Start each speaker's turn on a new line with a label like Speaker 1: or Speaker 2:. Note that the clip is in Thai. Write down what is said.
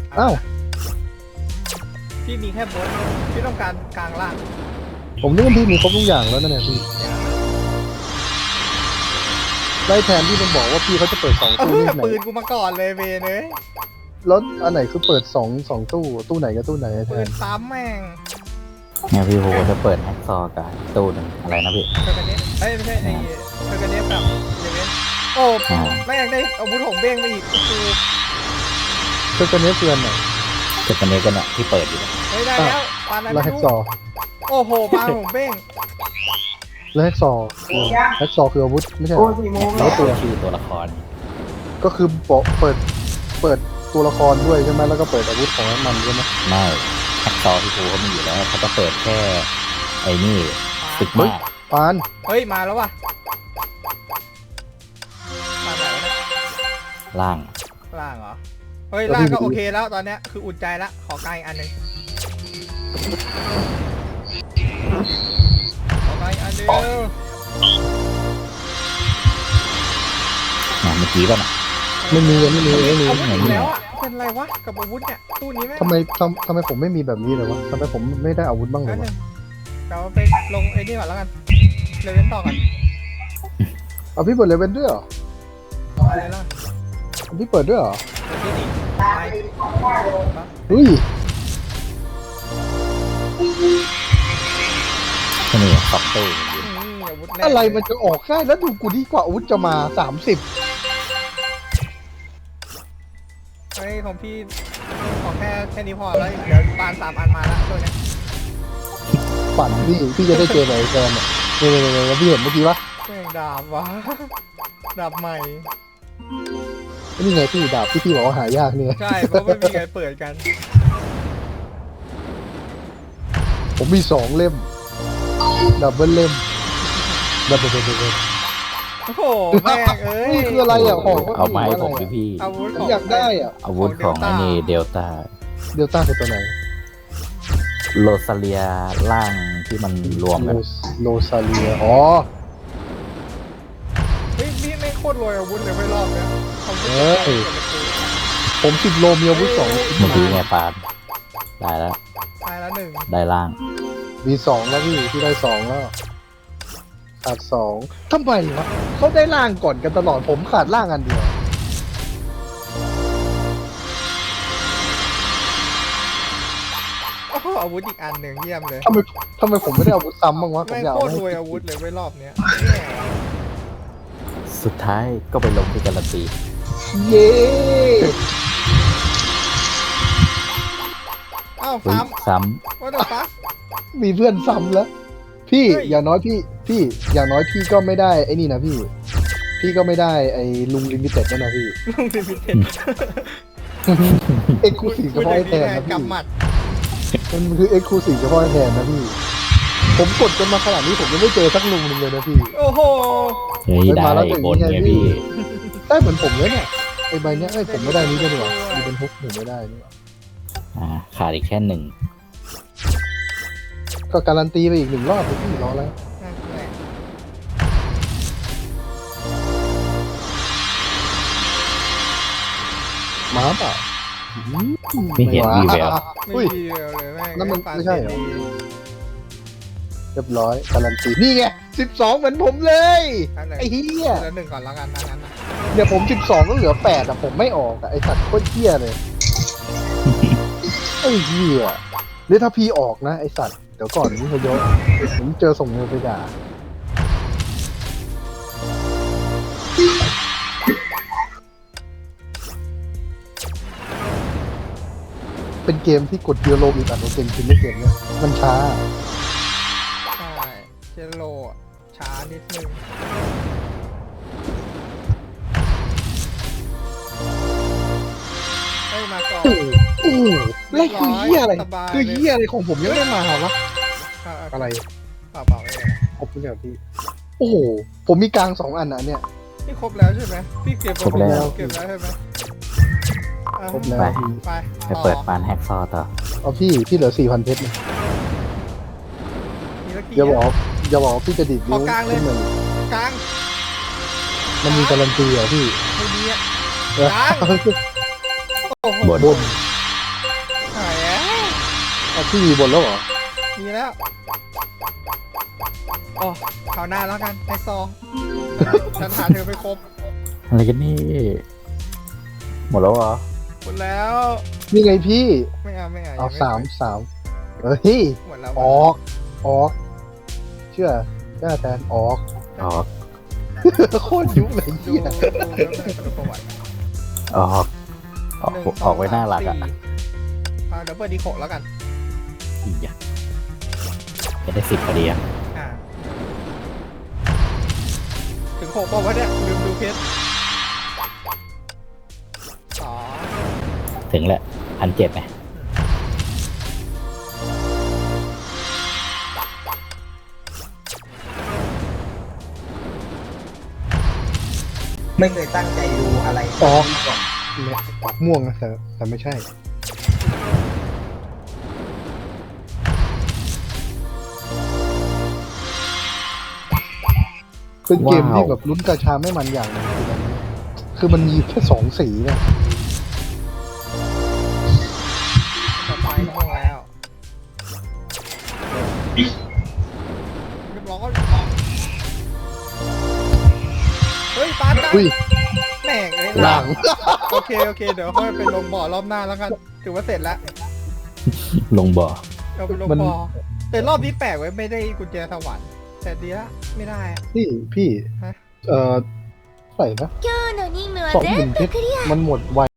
Speaker 1: อ้าว
Speaker 2: พี่มีแค่บนพี่ต้องการกลางล่าง
Speaker 1: ผมนึกว่าพี่มีครบทุกอย่างแล้วนั่นแหละพี่ได้แทนที่มันบอกว่าพี่เขาจะเปิด2 ตู้นี่ไหน
Speaker 2: ปืนกูมาก่อนเลยเวเนย
Speaker 1: แล้วอันไหนคือเปิด2 ตู้ไหนกับตู้ไหนแท
Speaker 2: ปืน
Speaker 1: น
Speaker 2: ซ้ำแม่ง
Speaker 3: เนี่ยพี่โหจะเปิดแฮกซอว์กับตู้หนึ่งอะไรนะพี่
Speaker 2: เทอร์กันเนสเอ้ยไม่ใช่ไอ้เทอร์กันเนสแบบเลเวนโอ้แม่งได้อาวุธของเบ้งไปอีกคือ
Speaker 1: เพื่อนนี้เพื่อนไหน
Speaker 3: จุดตัวนี้ก็เนี่ยที่เปิดอยู่
Speaker 2: เฮ้ยได้แล้วปานอะไร
Speaker 1: แล้ว
Speaker 2: ไม่
Speaker 1: แฮก
Speaker 2: รู้
Speaker 1: ซอว์
Speaker 2: โอ้โหปานของเบ้ง
Speaker 1: แล้วแฮกซอว์คืออาวุธไม่ใช่เหรอ
Speaker 3: แล้วตัวชื่อตัวละคร
Speaker 1: ก็คือเปิดตัวละครด้วยใช่ไหมแล้วก็เปิดอาวุธของมันใช่ไหม
Speaker 3: ไม่แฮกซอว์พี่โหเขามีอยู่แล้วเขาจะเปิดแค่ไอ้นี่ตึกมาก
Speaker 1: ปาน
Speaker 2: เฮ้ยมาแล้วว่ะปานไหนวะเนี่ย
Speaker 3: ล่าง
Speaker 2: ล่างเหรอเฮ้ยล่างก็โอเคแล้วตอนเนี้ยคืออุ่นใจละขอกลางอีกอันหนึ่งขอกลางอีกอันเดียว
Speaker 3: นะเมื่อกี้ป่ะนะ
Speaker 1: ไม่มี
Speaker 2: อาวุธอีกแล้วอ่ะเป็นไรวะกับอาวุธเนี่ยตู้นี้แม่ง
Speaker 1: ทำไมผมไม่มีแบบนี้เลยวะทำไมผมไม่ได้อาวุธบ้างเล
Speaker 2: นั่
Speaker 1: ย
Speaker 2: นห
Speaker 1: วะ
Speaker 2: นึ่งเราไปลงไอ้นี่ก่อนแล้วกันเลเวนต่อกัน
Speaker 1: เอาพี่เปิดเลเวนด้วยเหรอ
Speaker 2: อะไรล่ะ
Speaker 1: เอาพี่เปิดด้วยเหรอ
Speaker 2: เดี๋ยวนี่ดิไป
Speaker 1: เฮ้ย
Speaker 3: ที่นี่สองตู้อยู่
Speaker 2: อาวุธแรก
Speaker 1: อะไรมันจะออกง่ายแล้วดูกูดีกว่าอาวุธจะมา30
Speaker 2: เฮ้ยของพี่ขอแค่นี้พอแล้วเดี๋ยวปาน3 อันมาแล้วตัวเนี้ย
Speaker 1: ฝันพี่จะได้เจอไหนแฟนเนี่ยเนี่ยพี่เห็นเมื่อกี้ปะ
Speaker 2: แม่งดาบวะดาบใหม่
Speaker 1: นี่ไงพี่ดาบที่พี่บอกว่าหายากเนี่ย
Speaker 2: ใช่เพราะไม่มีใครเปิดกัน
Speaker 1: ผมมี2 เล่มดับเบิลเล่มดับเบิล
Speaker 2: โอ้โหแม่งเอ้ย
Speaker 1: นี่คืออะไรอ่ะของ
Speaker 3: เอาไมาให้ผมพี่
Speaker 2: อาวุธ
Speaker 1: ผม
Speaker 2: ของ
Speaker 1: อยากได้อ่ะ
Speaker 3: อาวุธของไอ้นี่เดลต้า
Speaker 1: เดลต้าคือตัวไหน
Speaker 3: โรซาเลียล่างที่มันรวมกัน
Speaker 1: โลซาเลียอ๋อ
Speaker 2: เฮ้ยพี่ไม่งโคตรรวยอาวุธเลยไม่รอบเนี้ยอาวุธ
Speaker 1: ผม10 โลมีอาวุธ2
Speaker 3: เมื่อกี้ไงปาดได้แล้ว
Speaker 2: ตายแล้วหนึ่ง
Speaker 3: ได้ล่าง
Speaker 1: มี2แล้วพี่ได้2แล้วขาด2ทำไมวะเขาได้ล่างก่อนกันตลอดผมขาดล่างอันเดียว
Speaker 2: โอ้โหอาวุธอีกอันหนึ่งเยี่ยมเลย
Speaker 1: ทำไมผมไม่ได้อาวุธซ้ำบ้างวะผม
Speaker 2: ไม่ง
Speaker 1: อยาก
Speaker 2: โค
Speaker 1: เอา
Speaker 2: ตร
Speaker 1: ให้
Speaker 2: รวยอาวุธเลยไม่รอบเนี้ย
Speaker 3: สุดท้ายก็ไปลงที่การันตี
Speaker 1: เย้
Speaker 2: อ้าว
Speaker 3: เฮ้ย
Speaker 2: ซ้
Speaker 3: ซ้
Speaker 2: ำว่าเดี๋ยวปั๊บ
Speaker 1: มีเพื่อนซ้ำแล้ว พี่
Speaker 2: เฮ้ย
Speaker 1: อย่างน้อยพี่อย่างน้อยพี่ก็ไม่ได้ไอ้นี่นะพี่ก็ไม่ได้ไอ้ลุงลิมิเต็ดนั่นนะพี่
Speaker 2: ลุงดิมิเต็ด
Speaker 1: เอ็กซ์คลูซีฟเฉพาะไอ้แทนนะพี่
Speaker 2: กำหมัด
Speaker 1: มันคือเอ็กซ์คลูซีฟเฉพาะไอ้แทนนะพี่ผมกดจนมาขนาดนี้ผมยังไม่เจอสักลุงหนึงเลยนะพี่
Speaker 2: โอ้โห
Speaker 3: ำเฮ้ยได้บนไงพี่
Speaker 1: ได้เหมือนผมเลยเนี่ยไอ้ใบเนี้ยไอ้ผมไม่ได้นี้ก็ดีกว่ามีเป็นฮุกหนึ่งไม่ได้นี่หว่า
Speaker 3: ขาดอีกแค่หนึ่ง
Speaker 1: ก็การันตีไปอีก1 รอบเลยพี่รอแล้ว
Speaker 2: นั่นแหละ
Speaker 1: มาเปล่า
Speaker 3: ไม่เห็นวีแวว
Speaker 2: ไม่
Speaker 1: อุ้ย
Speaker 2: ดีเลยแม่ง
Speaker 1: นั่นมัน
Speaker 2: ปา
Speaker 1: ไม่ใช่เหรอ
Speaker 2: เสดี
Speaker 1: เรียบร้อยการันตีนี่ไง12เหมือนผมเลย
Speaker 2: อันไหน
Speaker 1: ไอ้เหี้ย
Speaker 2: แล้วหนึ่งก่อนแล้วกันนะงั้นนะ
Speaker 1: เดี๋ยวผม12ก็เหลือ8อ่ะผมไม่ออกอ่ะไอ้สัตว์โคตรเหี้ยเลยไอ้เหี้ยหรือถ้าพี่ออกนะไอ้สัตว์เดี๋ยวก่อนนี่เขาเยอะผมเจอส่งเงินไปด่าเป็นเกมที่กดเดียวโลอีกอันว่าเกมคิดไม่เกมเนี่ยมันช้า
Speaker 2: ใช่เจโลอะช้านิดนึงเฮ้ยมาก่อน
Speaker 1: โอ้โหแล้วคือเหี้ยอะไร
Speaker 2: สบายเลย
Speaker 1: คือเหี้ยอะไรของผมยังไม่มาวะอะไร
Speaker 2: เปล่าไม่เป็นไร
Speaker 1: ครบทุกอย่างพี่ โอ้โห ผมมีกลาง2 อันนะเนี่ย
Speaker 2: นี่ครบแล้วใช่ไหมพี่เก็บ
Speaker 3: ครบแล้ว
Speaker 2: เก็บแล้วใช่ไหมอ่ะ
Speaker 1: ครบแล้วพี่
Speaker 2: ไป
Speaker 3: ไปเปิดปานแฮกซอว์ต่อ
Speaker 1: เอาพี่เหลือ 4,000 เพชรเนี่ย
Speaker 2: มีละกี่
Speaker 1: อย่าบอกว่าพี่จะดีดนิ้ว
Speaker 2: ขอกลางเลย
Speaker 1: ขึ้นมาก
Speaker 2: ลาง
Speaker 1: มันมีการันตีเหรอพี่
Speaker 2: ไม่ดีอ่ะ
Speaker 1: เออก
Speaker 2: ลางโอ้โห
Speaker 3: บน
Speaker 1: บนพี่มีบนแล้วเหรอ
Speaker 2: มีแล้วอ๋อคราวหน้าแล้วกันไอซองฉันหาเธอไปครบ
Speaker 3: อะไรกันนี่หมดแล้วเหรอ
Speaker 2: หมดแล้ว
Speaker 1: นี่ไงพี่
Speaker 2: ไม่เอา
Speaker 1: เอา
Speaker 2: ยังไ
Speaker 1: สามเฮ้ย
Speaker 2: หมดแล้ว
Speaker 1: ออก เชื่อแทนออก
Speaker 3: ออก
Speaker 1: โคตรยุเลย
Speaker 2: ดู
Speaker 1: เหี้ย
Speaker 2: ดูประวัติ
Speaker 3: ออกออกไว้หน้าหลักอ่ะ
Speaker 2: เดี๋ยวเปิดดีโคแล้วกัน
Speaker 3: อีกอย่างจะได้10พอดีอ่ะ
Speaker 2: อ่าถึง6บอกว่าเนี่ยลืมดูเพชรอ๋อ
Speaker 3: ถึงแหละ1,700ไหม
Speaker 4: ไม่เคยตั้งใจดูอะไร
Speaker 1: ออก
Speaker 4: ก่อน
Speaker 1: เนี่ยออกม่วงนะแต่ไม่ใช่ เป็นเกมที่แบบลุ้นกระชาไม่มันอย่างหนึงคือมันมีแค่2 สีเนี่ย
Speaker 2: ต่อไปก็ม่วงแล้วเรียบร้อยเฮ้ยปาดได้
Speaker 1: อุ้ย
Speaker 2: แม่งเลย
Speaker 1: หลัง
Speaker 2: โอเคเดี๋ยวค่อยไปลงบ่อรอบหน้าแล้วกันถือว่าเสร็จแล้ว
Speaker 3: ลงบ่อ
Speaker 2: เราไปลง
Speaker 1: มัน
Speaker 2: บ่อแต่รอบนี้แปลกไว้ไม่ได้กุญแจสวรรค์แต่ดีละไม่ได้อะ
Speaker 1: พี่
Speaker 2: ฮะ
Speaker 1: เท่าไหร่นะ
Speaker 5: 今日の任務は
Speaker 1: 20,000
Speaker 5: 全部
Speaker 1: เพชรมันหมดไว